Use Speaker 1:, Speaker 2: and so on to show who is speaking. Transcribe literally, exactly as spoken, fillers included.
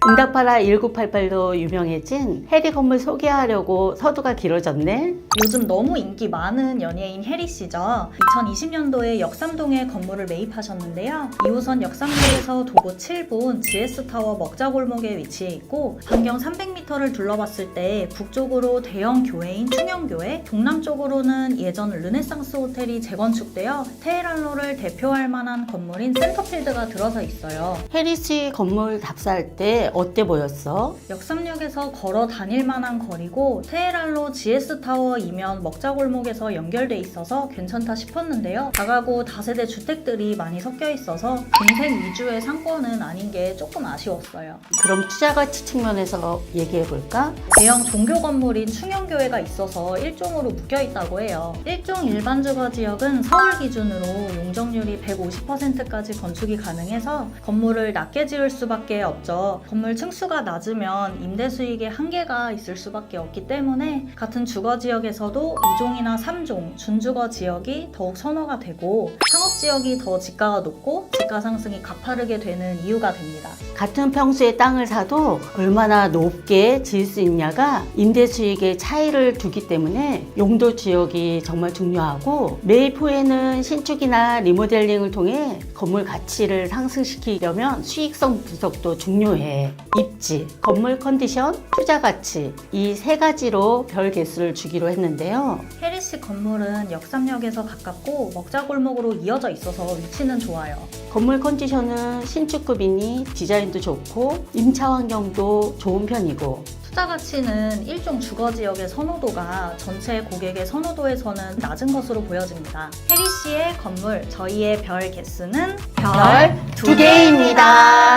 Speaker 1: 응답하라 일구팔팔도 유명해진 해리 건물 소개하려고 서두가 길어졌네.
Speaker 2: 요즘 너무 인기 많은 연예인 해리 씨죠. 이천이십 년도에 역삼동에 건물을 매입하셨는데요. 이 호선 역삼역에서 도보 칠 분 지에스타워 먹자골목에 위치해 있고 반경 삼백 미터를 둘러봤을 때 북쪽으로 대형 교회인 충영교회, 동남쪽으로는 예전 르네상스 호텔이 재건축되어 테헤란로를 대표할 만한 건물인 센터필드가 들어서 있어요.
Speaker 1: 해리 씨 건물 답사할 때 어때 보였어?
Speaker 2: 역삼역에서 걸어 다닐 만한 거리고 테헤란로 지에스타워 이면 먹자골목에서 연결돼 있어서 괜찮다 싶었는데요. 다가구 다세대 주택들이 많이 섞여 있어서 동생 위주의 상권은 아닌 게 조금 아쉬웠어요.
Speaker 1: 그럼 투자 가치 측면에서 얘기해 볼까?
Speaker 2: 대형 종교 건물인 충영교회가 있어서 일종으로 묶여 있다고 해요. 일종 일반 주거 지역은 서울 기준으로 용적률이 백오십 퍼센트까지 건축이 가능해서 건물을 낮게 지을 수밖에 없죠. 건물 층수가 낮으면 임대 수익에 한계가 있을 수밖에 없기 때문에 같은 주거 지역에서도 이 종이나 삼 종 준주거 지역이 더욱 선호가 되고 상업 지역이 더 지가가 높고 지가 상승이 가파르게 되는 이유가 됩니다.
Speaker 1: 같은 평수의 땅을 사도 얼마나 높게 지을 수 있냐가 임대 수익의 차이를 두기 때문에 용도 지역이 정말 중요하고 매입 후에는 신축이나 리모델링을 통해 건물 가치를 상승시키려면 수익성 분석도 중요해. 입지, 건물 컨디션, 투자 가치 이 세 가지로 별 개수를 주기로 했는데요.
Speaker 2: 해리 씨 건물은 역삼역에서 가깝고 먹자골목으로 이어져 있어서 위치는 좋아요.
Speaker 1: 건물 컨디션은 신축급이니 디자인도 좋고 임차 환경도 좋은 편이고
Speaker 2: 투자 가치는 일종 주거 지역의 선호도가 전체 고객의 선호도에서는 낮은 것으로 보여집니다. 해리 씨의 건물, 저희의 별 개수는
Speaker 1: 별 두 개입니다.